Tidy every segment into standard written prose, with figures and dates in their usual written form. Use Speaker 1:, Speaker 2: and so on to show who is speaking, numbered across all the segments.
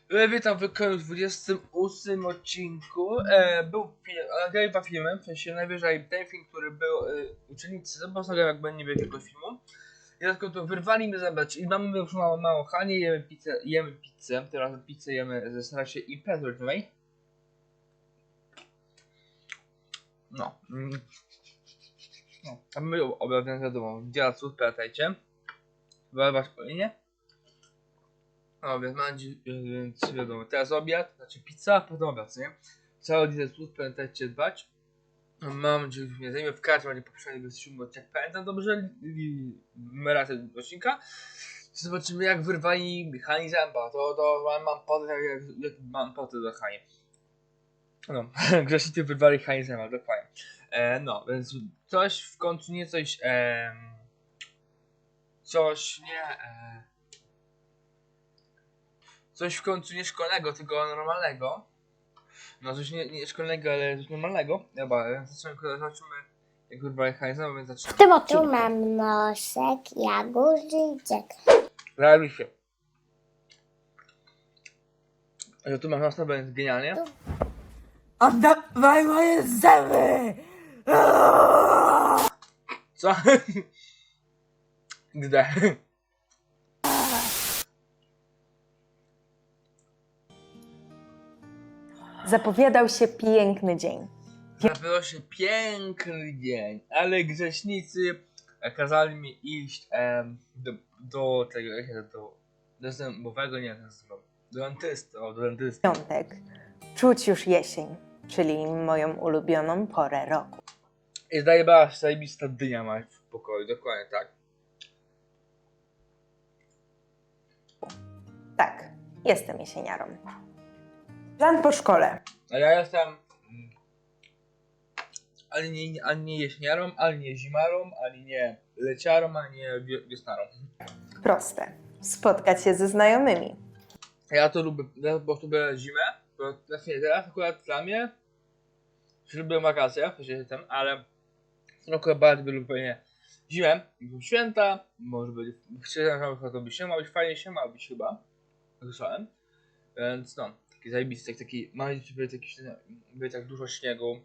Speaker 1: Witam w kolejnym 28 odcinku. Był film, nagrałem dwa filmy, w sensie najwyżej ten film, który był uczennicy, zobaczyłem jak będzie wielkiego filmu. I tylko to wyrwali mnie zabrać i mamy już mało Hanie, jemy pizzę, teraz pizzę jemy ze stracie imprezy rodzinnej. No. No, a my obiadem wiadomo, dziadców, pamiętajcie. Wyrwać po linie. No więc wiadomo, teraz obiad, znaczy pizza, potem obiad, nie? Cały dzień słów, pamiętajcie dbać. Mam nadzieję, że mnie zajmie w każdym razie poprzednim wystrzymu, jak pamiętam dobrze, razem odcinka. Zobaczymy jak wyrwali Hani zęba, to mam potę, jak mam potę do Hani. No, grzesznicy wyrwali Hani zęba, dokładnie. No, więc coś w końcu nie coś, coś nie, coś w końcu nie szkolnego, tylko normalnego. No coś nie szkolnego, ale coś normalnego. Dobra, zobaczymy jak wyrwali Heinza, więc
Speaker 2: W
Speaker 1: zaczynamy.
Speaker 2: tym odcinku mam nosek, jagóżyczek.
Speaker 1: Realizuj się. Że tu mam nos, to będzie genialnie.
Speaker 3: Oddawaj moje zęby!
Speaker 1: Co? Gdzie?
Speaker 3: Zapowiadał się piękny dzień.
Speaker 1: Zapowiadał się piękny dzień, ale grzesznicy kazali mi iść do tego, jak się do zębowego, nie, do dentysty, do dentysty.
Speaker 3: Piątek. Czuć już jesień, czyli moją ulubioną porę roku.
Speaker 1: I zdaje się zajebista dynia ma w pokoju, dokładnie tak.
Speaker 3: Tak, jestem jesieniarą. Plan po szkole.
Speaker 1: A ja jestem ani nie jesieniarą, ani nie zimarą, ani nie leciarą, ani nie wiosnarą.
Speaker 3: Proste. Spotkać się ze znajomymi.
Speaker 1: Ja to lubię, ja po prostu lubię zimę, bo teraz akurat dla mnie, że lubię wakacje, w sensie ten, ale akurat bardzo lubię zimę, święta, może być, to by się, ma być fajnie się, ma być chyba, słyszałem, więc no, taki zajebisty, taki, mam nadzieję, że będzie tak dużo śniegu,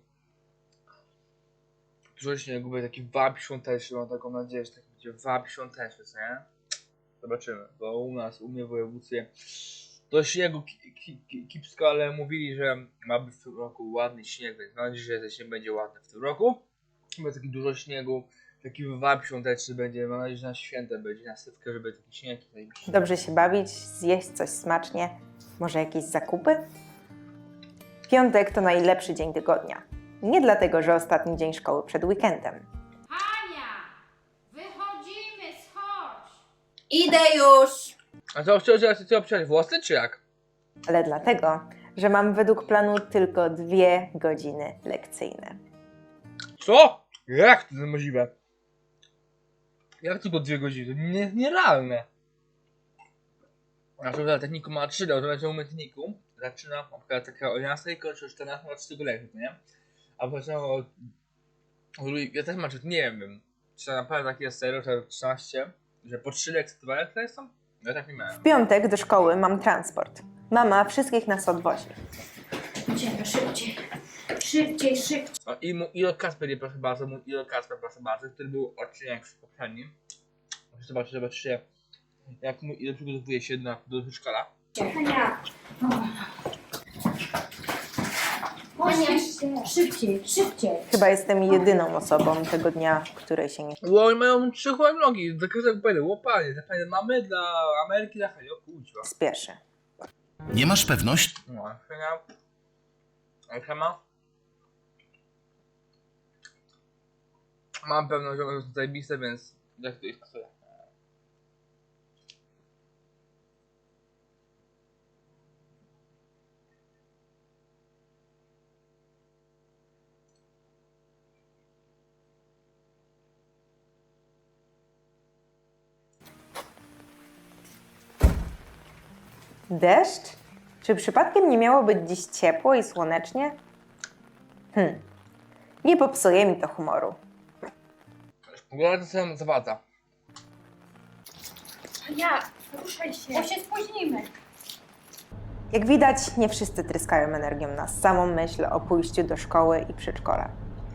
Speaker 1: będzie taki wab świąteczny, mam taką nadzieję, że tak będzie wab świąteczny, co nie? Zobaczymy, bo u mnie w województwie do śniegu kipsko, ale mówili, że ma być w tym roku ładny śnieg, więc mam nadzieję, że ten śnieg będzie ładny w tym roku. Będzie taki dużo śniegu, taki wab świąteczny będzie, mam nadzieję, że na święta będzie, na sypkę, żeby taki śnieg tutaj.
Speaker 3: Dobrze się bawić, zjeść coś smacznie. Może jakieś zakupy? Piątek to najlepszy dzień tygodnia. Nie dlatego, że ostatni dzień szkoły przed weekendem.
Speaker 4: Hania! Wychodzimy, schodź!
Speaker 5: Idę już!
Speaker 1: A co, chcecie obciąć włosy, czy jak?
Speaker 3: Ale dlatego, że mam według planu tylko 2 godziny lekcyjne.
Speaker 1: Co? Jak to jest możliwe? Jak tylko 2 godziny? To nierealne. A to za techniku ma 3, to będzie umiejętniku. Zaczyna na przykład taka o 11, kończy o 14, ma 3 lekcji, nie? A potem ja też mam, nie wiem, czy to naprawdę tak jest serio, że 13, że po 3 lekcje 2 lekcje są? Ja tak nie miałem.
Speaker 3: W piątek do szkoły mam transport. Mama wszystkich nas odwozi.
Speaker 4: Idziemy szybciej. Szybciej, szybciej.
Speaker 1: O, i Kasper, proszę bardzo, proszę bardzo, który był odcinek w poprzednim. Zobaczcie, jak ile przygotowuje się do przedszkola.
Speaker 4: Hania! Hania, szybciej, szybciej.
Speaker 3: Chyba jestem jedyną osobą tego dnia, której się nie...
Speaker 1: Oni mają 3 nogi, za każdego powiedział, łopanie, dla mamy, dla Ameryki, dla Hania, o kurczę.
Speaker 3: spieszy.
Speaker 6: Nie masz pewności?
Speaker 1: No, Hania, Hema. Mam pewność, że jest zajebiste, więc jak to jest sobie.
Speaker 3: Deszcz? Czy przypadkiem nie miało być dziś ciepło i słonecznie? Nie popsuje mi to humoru.
Speaker 1: Pogoda to sobie zawadza.
Speaker 4: Hania, ruszaj się, bo się spóźnimy.
Speaker 3: Jak widać, nie wszyscy tryskają energią na samą myśl o pójściu do szkoły i przedszkola.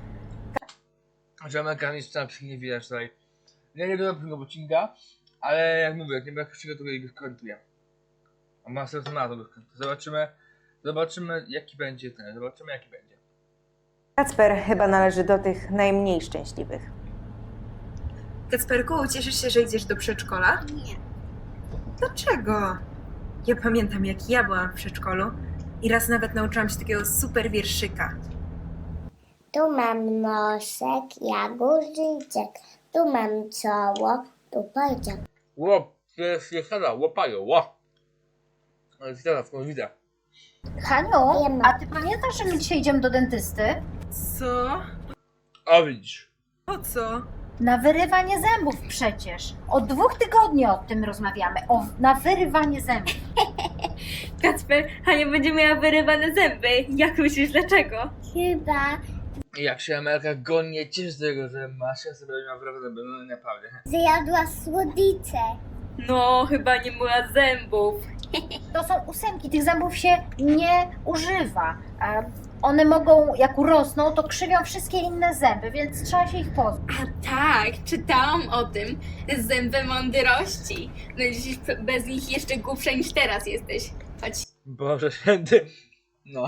Speaker 1: Że mechaniczna nie widać tutaj. Ja nie wiem tego odcinka, ale jak mówię, jak nie będę przygotował, go skomentuję. A ma sens na to go skomentuję. Zobaczymy jaki będzie ten, zobaczymy jaki będzie.
Speaker 3: Kacper chyba należy do tych najmniej szczęśliwych.
Speaker 5: Kacperku, cieszysz się, że idziesz do przedszkola?
Speaker 2: Nie.
Speaker 5: Dlaczego? Ja pamiętam, jak ja byłam w przedszkolu i raz nawet nauczyłam się takiego super wierszyka.
Speaker 2: Tu mam nosek, jagóżyczek. Tu mam czoło, tu pociąg.
Speaker 1: Łop, jest sada, łopają, ło. Ale sada, skąd widzę.
Speaker 4: Haniu,
Speaker 2: Wiem.
Speaker 4: a ty pamiętasz, że my dzisiaj idziemy do dentysty?
Speaker 5: Co?
Speaker 1: A widzisz.
Speaker 5: Po co?
Speaker 4: Na wyrywanie zębów przecież. Od 2 tygodni o tym rozmawiamy. Na wyrywanie zębów.
Speaker 7: Kacper, Hania będzie miała wyrywane zęby. Jak myślisz, dlaczego?
Speaker 2: Chyba
Speaker 1: I jak się Amelka gonnie cieszy z tego, że Masia sobie miała prawdę, no naprawdę.
Speaker 2: zjadła słodycze.
Speaker 7: No, chyba nie myła zębów.
Speaker 4: To są ósemki, tych zębów się nie używa. A one mogą, jak urosną, to krzywią wszystkie inne zęby, więc trzeba się ich pozbyć.
Speaker 7: A tak, czytałam o tym. Zęby mądrości. Będziesz bez nich jeszcze głupsza niż teraz jesteś. Chodź.
Speaker 1: Boże święty. No.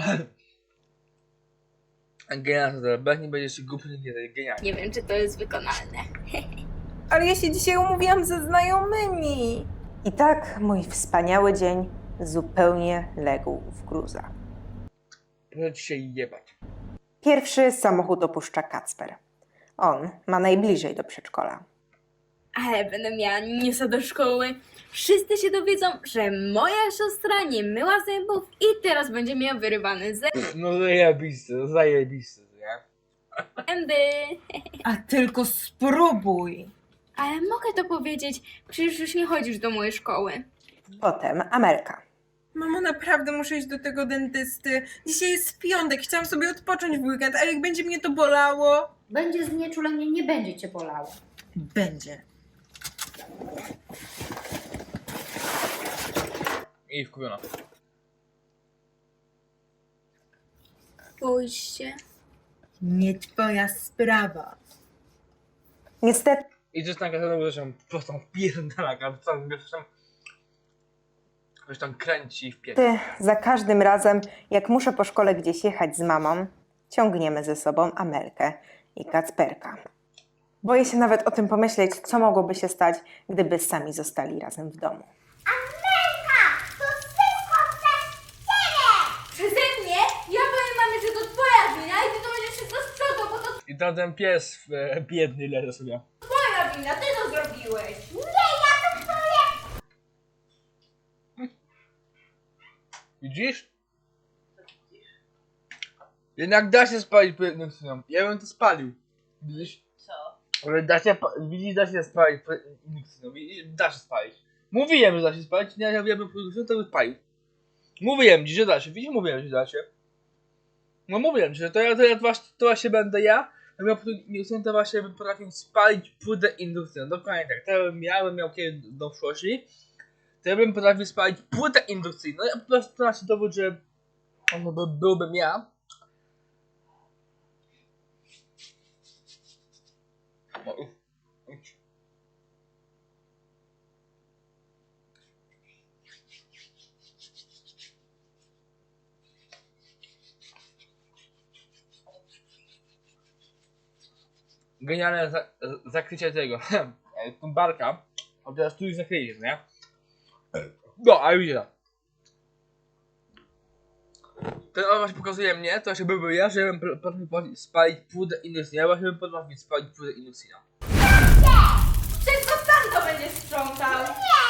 Speaker 1: Genialne to, bez nie będziesz się głupi, nie to jest genialne.
Speaker 7: Nie wiem, czy to jest wykonalne.
Speaker 5: Ale ja się dzisiaj umówiłam ze znajomymi.
Speaker 3: I tak mój wspaniały dzień zupełnie legł w gruzach.
Speaker 1: Proszę ci się jebać.
Speaker 3: Pierwszy samochód opuszcza Kacper. On ma najbliżej do przedszkola.
Speaker 7: Ale będę miała newsa do szkoły. Wszyscy się dowiedzą, że moja siostra nie myła zębów i teraz będzie miała wyrywane
Speaker 1: No zajebiste, nie?
Speaker 7: zęby.
Speaker 5: A tylko spróbuj.
Speaker 7: Ale mogę to powiedzieć, przecież już nie chodzisz do mojej szkoły.
Speaker 3: Potem Amelka.
Speaker 5: Mamo, naprawdę muszę iść do tego dentysty. Dzisiaj jest piątek, chciałam sobie odpocząć w weekend, a jak będzie mnie to bolało?
Speaker 4: Będzie znieczulenie, nie będzie cię bolało.
Speaker 5: Będzie.
Speaker 1: I wkupiona.
Speaker 7: Pójście.
Speaker 5: Nie twoja sprawa.
Speaker 3: Niestety
Speaker 1: I to jest taka znowu zresztą prostą pierdalaka, ktoś tam kręci w pięć.
Speaker 3: za każdym razem, jak muszę po szkole gdzieś jechać z mamą, ciągniemy ze sobą Amelkę i Kacperka. Boję się nawet o tym pomyśleć, co mogłoby się stać, gdyby sami zostali razem w domu.
Speaker 7: Przeze mnie? Ja powiem mamie, że to twoja wina i ty to będziesz wszystko sprzątał, bo to
Speaker 1: I tam ten pies biedny leży sobie.
Speaker 7: twoja wina, ty to zrobiłeś.
Speaker 1: Widzisz? Jednak da się spalić indukcją. Ja bym to spalił. Widzisz? Co? Ale widzisz, da się spalić indukcją. Da się spalić. Mówiłem, że da się spalić. Nie, ja bym indukcją, to bym spalił. Mówiłem ci, że da się. Widzisz? Mówiłem, że da się. No mówiłem ci, że to właśnie będę ja. Indukcją to właśnie bym potrafił spalić płytę indukcją. Dokładnie tak. To bym miał kiedy do przyszłości. To ja bym potrafił spalić płytę indukcyjną. Ja po prostu to nasz dowód, że byłbym ja. Genialne zakrycie tego. Barka. A teraz tu już zakryjesz, nie? No, a widzisz. Ten on właśnie pokazuje mnie, to właśnie byłby ja, że bym potrafił spalić płytę indukcyjną. Ja właśnie bym potrafił spalić płytę indukcyjną.
Speaker 7: Wszystko sam to będziesz sprzątał.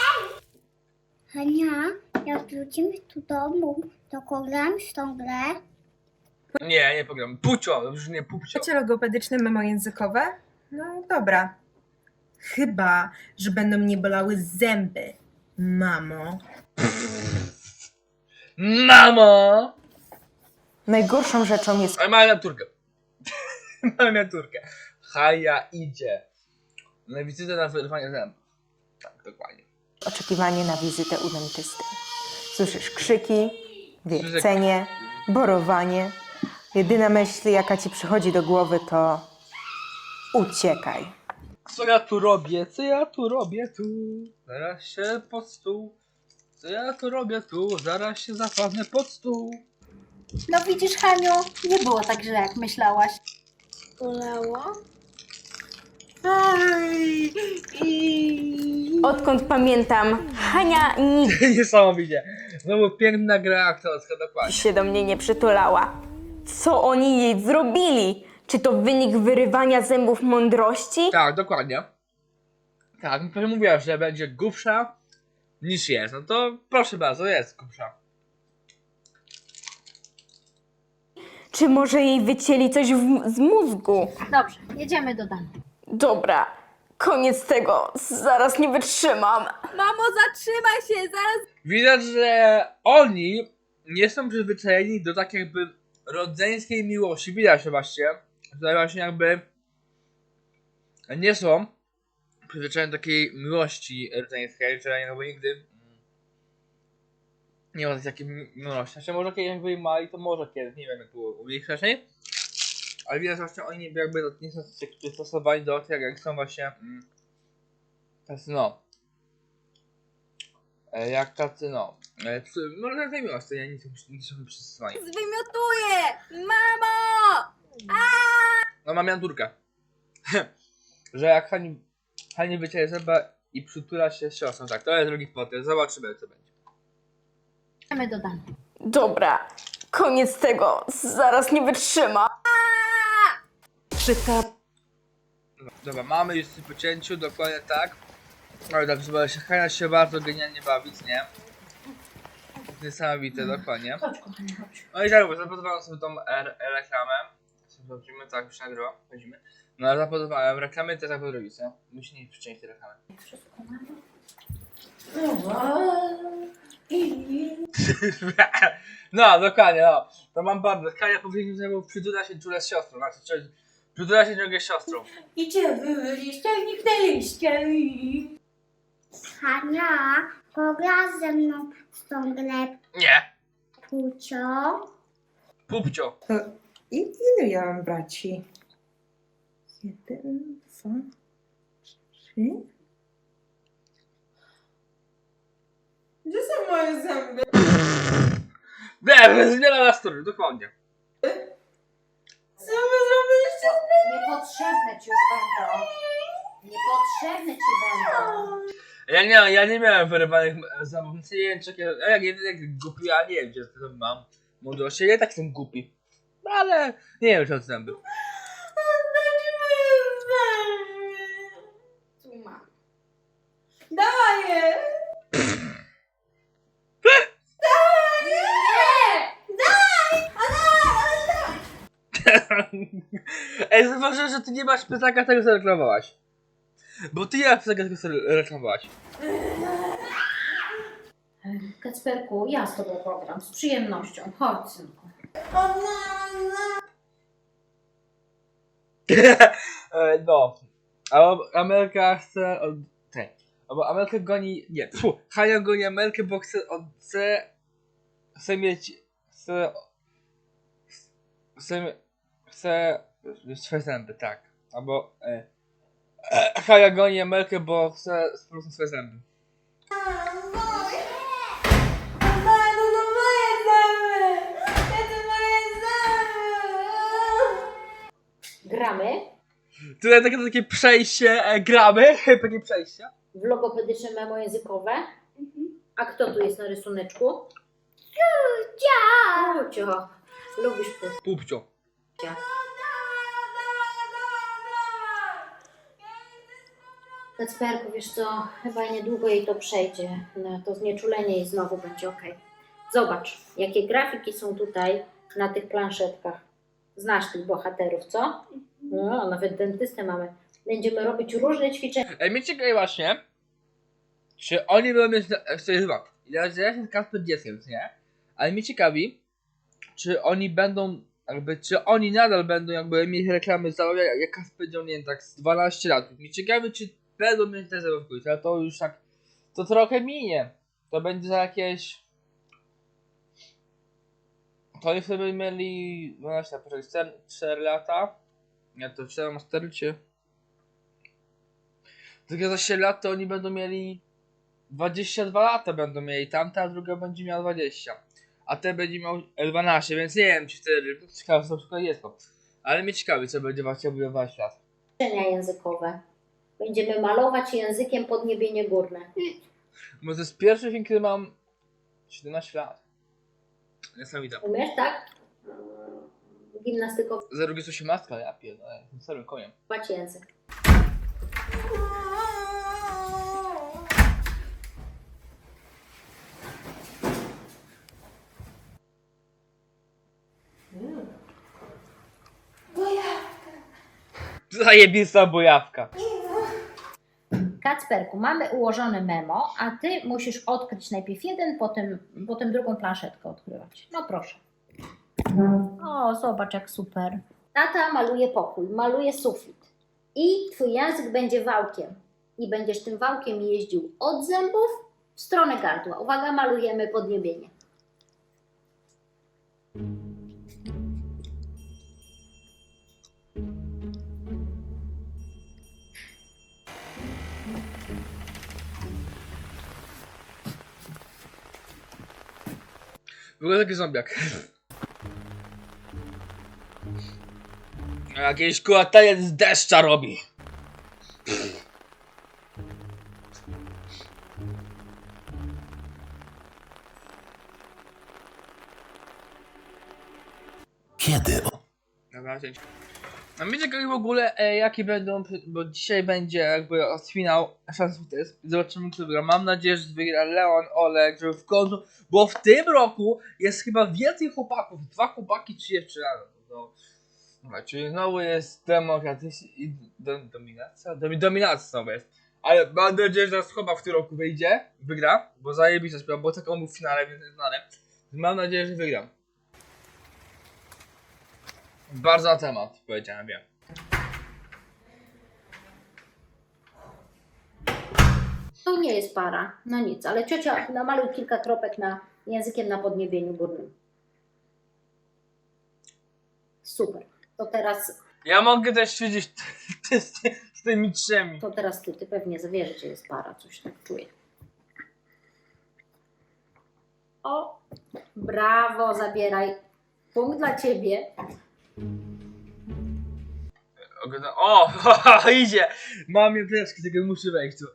Speaker 2: Hania, jak wrócimy do domu, to pogram w tą grę.
Speaker 1: Nie, nie pogram. Pucio, już nie pupcio.
Speaker 5: Macie logopedyczne memojęzykowe? No dobra. Chyba, że będą mnie bolały zęby. Mamo.
Speaker 1: Mamo!
Speaker 3: Najgorszą rzeczą jest
Speaker 1: Ale mamy miniaturkę. Mamy miniaturkę. Haja idzie. Na wizytę na wyrwanie zębów. Tak, dokładnie.
Speaker 3: oczekiwanie na wizytę u dentysty. Słyszysz krzyki, wiercenie, borowanie. Jedyna myśl, jaka ci przychodzi do głowy, to uciekaj.
Speaker 1: Co ja tu robię? Co ja tu robię tu? Zaraz się pod stół. Co ja tu robię tu? Zaraz się zapadnę pod stół.
Speaker 4: No widzisz, Haniu, nie było tak źle, jak myślałaś.
Speaker 7: Bolało?
Speaker 8: Odkąd pamiętam, Hania nigdy
Speaker 1: Niesamowicie. Znowu piękna gra aktorska, dokładnie.
Speaker 8: się do mnie nie przytulała. Co oni jej zrobili? Czy to wynik wyrywania zębów mądrości?
Speaker 1: Tak, dokładnie. Tak, no mówiła, że będzie głupsza niż jest. No to proszę bardzo, jest głupsza.
Speaker 8: Czy może jej wycięli coś z mózgu?
Speaker 4: Dobrze, jedziemy do domu.
Speaker 8: Dobra, koniec tego. Zaraz nie wytrzymam.
Speaker 7: Mamo, zatrzymaj się, zaraz.
Speaker 1: Widać, że oni nie są przyzwyczajeni do tak jakby rodzeństwej miłości. Widać, że właśnie jakby nie są przyzwyczajeni do takiej miłości rodzeństwej, że jakby nigdy nie ma takiej miłości. Znaczy może kiedyś jakby mali, to może kiedyś, nie wiem jak było u nich wcześniej. Ale widać, że właśnie oni jakby nie są przystosowani do tego, jak są właśnie tacy no. Jak tacy no. Może nie miłości, nie są przystosowani.
Speaker 7: Zwymiotuję! Mamo!
Speaker 1: No mam Jandurkę. Że jak Hani wycięje zęba i przytula się z siostrą. Tak, to jest drugi potem. Zobaczymy co będzie.
Speaker 4: Jedziemy do domu.
Speaker 8: Dobra, koniec tego. Zaraz nie wytrzymam. Krzyka
Speaker 1: No, dobra, mamy już po cięciu, dokładnie tak. Ale tak, żeby się Hania się bardzo genialnie bawić, nie? Niesamowite, dokładnie.
Speaker 4: Chodź, kochanie, chodź.
Speaker 1: No i tak, bo zapodobałem sobie tą reklamę. Zobaczymy, tak już nagrywa, chodzimy. No ale zapodobałem reklamę, to tak po drugiej, co? Musi nie przyciąć tej reklamy.
Speaker 4: Wszystko mamy.
Speaker 1: No, dokładnie, no. To mam bardzo. Hania powiedział, że przytula się czule z siostrą. Znaczy, przytula się ciągle z siostrą.
Speaker 5: Idziemy, liścielnik na liścielnik.
Speaker 2: Hania, pogra ze mną w tą grę
Speaker 1: Nie.
Speaker 2: Pucio.
Speaker 1: Pupcio.
Speaker 5: To ilu ja mam braci? 1, 2, 3. Gdzie są moje zęby?
Speaker 1: Nie, zmiana nastroju, dokładnie.
Speaker 5: Co wy zrobiliście?
Speaker 4: Niepotrzebne ci już będą. Niepotrzebne ci będą.
Speaker 1: Ja nie miałem wyrywanych zębów, nie wiem, czy jak głupi, ja nie wiem, gdzie to mam mądrości, ja tak jestem głupi. Ale nie wiem, czy od zęby.
Speaker 5: Oddajcie moje zęby.
Speaker 7: Tu mam.
Speaker 5: Dawaj je!
Speaker 1: Ej, zauważyłem, że ty nie masz pytaka tego, co reklamowałaś. Bo ty nie masz pytaka tego, co reklamowałaś.
Speaker 4: Kacperku, ja z tobą pogram, z przyjemnością. Chodź, synku.
Speaker 1: No. Albo Ameryka chce od... Albo Ameryka goni... Nie, Hania goni Amerykę, bo chce mieć... Chce mieć swoje zęby, tak. Albo... Hania goni Amerykę, bo chce spróbować swoje zęby.
Speaker 4: Gramy
Speaker 1: Tutaj takie przejście, gramy, takie przejście.
Speaker 4: w logopedyczne memo językowe. A kto tu jest na rysuneczku? Pucio. Lubisz Pucio.
Speaker 1: Pupcio.
Speaker 4: Kacperku, wiesz co, chyba niedługo jej to przejdzie. No, to znieczulenie jej znowu będzie ok. Zobacz, jakie grafiki są tutaj na tych planszetkach. Znasz tych bohaterów, co? No, nawet dentystę mamy. Będziemy robić różne ćwiczenia.
Speaker 1: Mnie ciekawi właśnie, czy oni będą mieć... To jest chyba... Ja jestem Kasper dzieckiem, nie? Ale mnie ciekawi, czy oni będą... czy oni nadal będą jakby mieć reklamy jak Kasper dział, nie wiem, tak z 12 lat. Mnie ciekawi, czy będą mieć te zabawki, ale to już tak... To trochę minie. To będzie za jakieś... To oni sobie mieli 12 lat, poczekaj, 4 lata. Nie, to 4 ma 4 czy... Tylko za 7 lat to oni będą mieli 22 lata będą mieli tamta, a druga będzie miała 20. A ten będzie miał 12, więc nie wiem czy wtedy, ciekawe co przykład jest to. Ale mnie ciekawi co będzie właśnie budować lat.
Speaker 4: Ćwiczenia językowe. Będziemy malować językiem podniebienie górne.
Speaker 1: Bo to jest pierwszy film, kiedy mam 17 lat. Niesamowite.
Speaker 4: Umiesz, tak? Gimnastykować
Speaker 1: Za drugie jest 18, ja pierdolę, jestem starym koniem.
Speaker 4: język.
Speaker 1: Zajebista bojawka.
Speaker 4: Kacperku, mamy ułożone memo, a ty musisz odkryć najpierw jeden, potem drugą planszetkę odkrywać. No proszę. O, zobacz jak super. Tata maluje pokój, maluje sufit. I twój język będzie wałkiem. I będziesz tym wałkiem jeździł od zębów w stronę gardła. Uwaga, malujemy podniebienie.
Speaker 1: Wygląda taki zombiak. Jakiś kulataniec z deszcza robi.
Speaker 6: Kiedy?
Speaker 1: Dobra, cięć. A mnie ciekawi w ogóle jakie będą, bo dzisiaj będzie jakby finał szans test. Zobaczymy kto wygra. Mam nadzieję, że wygra Leon, Olek, żeby w końcu, bo w tym roku jest chyba więcej chłopaków, 2 chłopaki, 3 dziewczyny. Dobra, czyli znowu jest demokratyzm i dominacja? Dominacja znowu jest. Ale mam nadzieję, że teraz chłopak w tym roku wygra, bo zajebista sprawa, bo taką był w finale, więc jest znane. Mam nadzieję, że wygram. Bardzo na temat, powiedziałem, wiem.
Speaker 4: To nie jest para, no nic, ale ciocia namaluj kilka kropek językiem na podniebieniu górnym. Super. To teraz
Speaker 1: Ja mogę też ćwiczyć z tymi trzemi.
Speaker 4: ty pewnie zawierzysz, że jest para, coś tak czuję. O, brawo, zabieraj. Punkt dla ciebie.
Speaker 1: O, idzie! Mam jędreczki, tylko muszę wejść tu.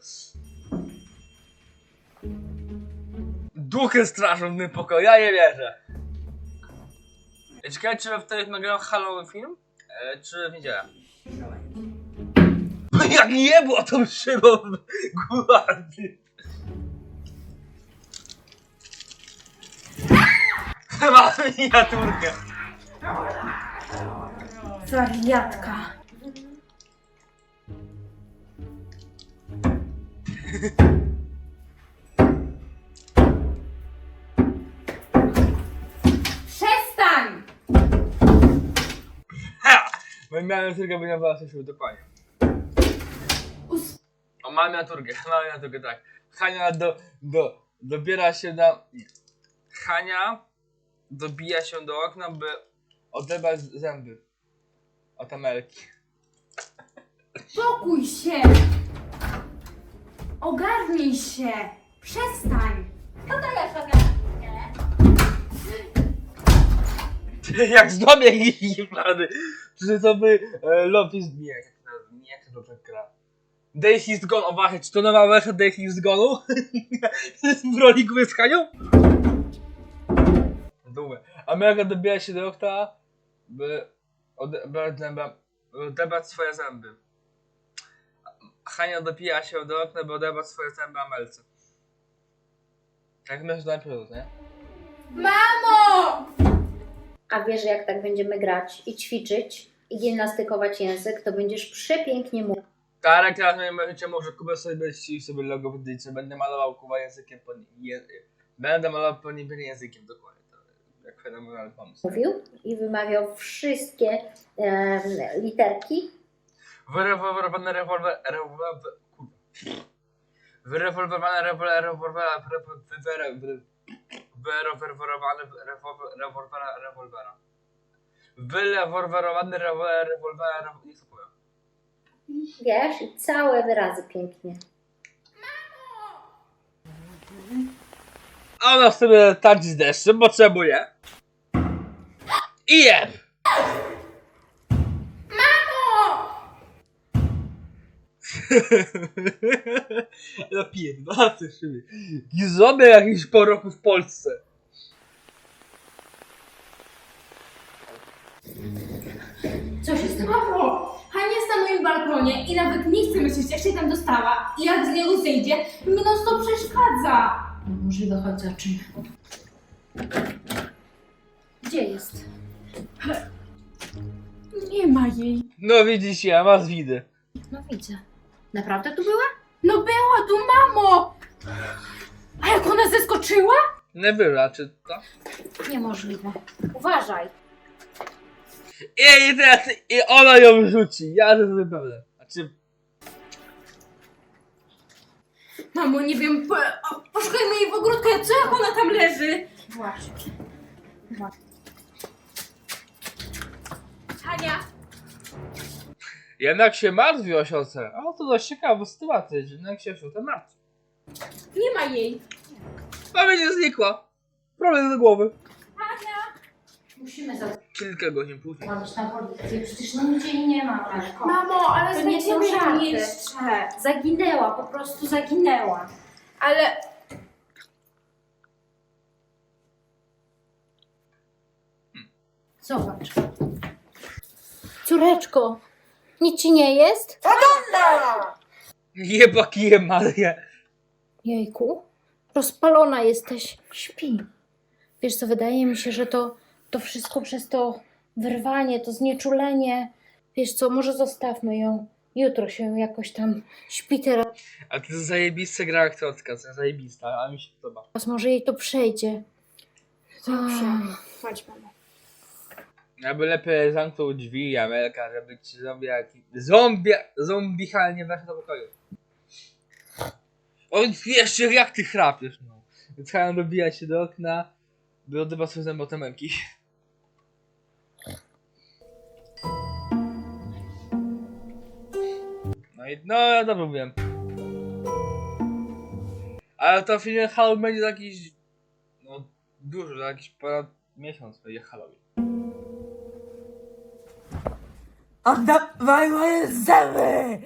Speaker 1: Duchy straszą w tym pokoju, ja nie wierzę. Ciekawe, czy wtedy nagrał Halloween film? Czy w niedzielę? Jak nie było tą szybą gwardy. Mam miniaturkę.
Speaker 8: Wariatka.
Speaker 7: Przestań!
Speaker 1: Ha! Bo miałem tylko wyniosła się dokładnie. O, mam miniaturkę, tak. Hania dobiera się na... Nie. Hania dobija się do okna, by odebrać zęby od Amelki.
Speaker 7: Spokój się! Ogarnij się! Przestań!
Speaker 1: Jak zdobię ich plany. Czy to by Lofis... Nie, jak to dobrze gra. Daisy is Gone, o właśnie, czy to nowa wersja Daisy is Gone'u? W roli gry z Hanią? Dumę. Amelka dobija się do okna, by odebrać swoje zęby. Hania dobija się do okna, by odebrać swoje zęby Amelce. Jak myślisz, najpierw, nie?
Speaker 7: Mamo!
Speaker 4: A wiesz, że jak tak będziemy grać i ćwiczyć i gimnastykować język, to będziesz przepięknie mówił.
Speaker 1: Tak, teraz będziecie może Kuba sobie sobie logo w dyce, będę malował Kuba językiem będę malował po nim językiem, dokładnie. To jak fenomenalny pomysł.
Speaker 4: I wymawiał wszystkie literki.
Speaker 1: wyreworwerowany rewolwera. Wyleworwerowany rewolwera, nie co powiem.
Speaker 4: Wiesz, i całe wyrazy pięknie.
Speaker 1: A ona sobie tardzi z deszczem, potrzebuje. I jeb! No pierdolę ty szybie. Gizomy jakiś po roku w Polsce.
Speaker 7: Co się stało? Mamo! Hania jest na moim balkonie i nawet nie chce myśleć, jak się tam dostała. I jak z niego zejdzie, mi to przeszkadza.
Speaker 4: Możliwe, chodź zobaczymy. Gdzie jest?
Speaker 7: Nie ma jej.
Speaker 1: No widzisz, ja was widzę.
Speaker 4: No widzę. Naprawdę tu była?
Speaker 7: No była tu, mamo! A jak ona zeskoczyła?
Speaker 1: Nie wyra, czy to?
Speaker 4: Niemożliwe. Uważaj.
Speaker 1: I teraz i ona ją rzuci. Ja to sobie pewne. Znaczy,
Speaker 7: Mamo, nie wiem, poszukajmy jej w ogródku, co jak ona tam leży?
Speaker 4: Właśnie.
Speaker 7: Hania!
Speaker 1: jednak się martwi o siostrę. A to dość ciekawa sytuacja, że jednak się o siostrę martwi.
Speaker 7: Nie ma jej.
Speaker 1: A będzie znikła. Problem do głowy.
Speaker 4: Musimy zadzwonić
Speaker 1: Kilka godzin później.
Speaker 4: na policję. Przecież no nigdzie jej nie ma, Marko.
Speaker 7: Mamo, ale
Speaker 4: To nie są
Speaker 7: znajdziemy
Speaker 4: żarty.
Speaker 7: ją jeszcze.
Speaker 4: Zaginęła, po prostu zaginęła.
Speaker 7: Ale...
Speaker 4: Zobacz. Córeczko, nic ci nie jest?
Speaker 1: Jeba kijem, Maria.
Speaker 4: Jejku, rozpalona jesteś. Śpi. Wiesz co, wydaje mi się, że to wszystko przez to wyrwanie, to znieczulenie. Wiesz co, może zostawmy ją. Jutro się jakoś tam śpi teraz,
Speaker 1: A to jest zajebista gra aktorska, to jest zajebista, a mi się podoba.
Speaker 4: może jej to przejdzie.
Speaker 7: Dobrze. Chodź, mamo.
Speaker 1: Ja by lepiej zamknął drzwi, Amelka, żeby ci zombie nie weszł do pokoju. On jeszcze jak ty chrapiesz, no. Zacząłem dobijać się do okna, by odbywać swoje zęby od Amelki. No ja dobrze mówiłem. Ale to film Halloween będzie za jakiś... No dużo, za jakiś ponad miesiąc będzie Halloween.
Speaker 3: Oddawaj moje zęby!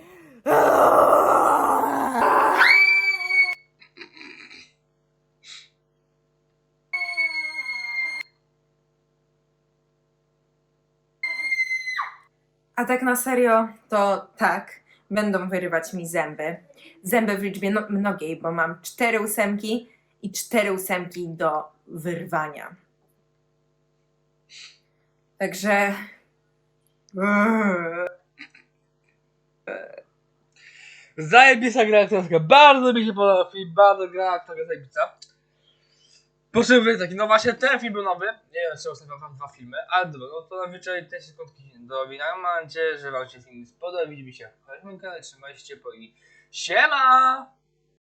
Speaker 3: A tak na serio, to tak, będą wyrywać mi zęby. Zęby w liczbie mnogiej, bo mam 4 ósemki i 4 ósemki do wyrwania. Także...
Speaker 1: Zajebista gra aktorska, bardzo mi się podoba film, bardzo gra aktorska zajebista. Potrzebuję taki, no właśnie ten film był nowy, nie wiem czy ostatnio wam 2 filmy, ale dobra, no to najwyżej te sekundki do wina. Mam nadzieję, że wam się film spodobał, widzimy się w kolejnym kanale, trzymajcie się ciepło i siema!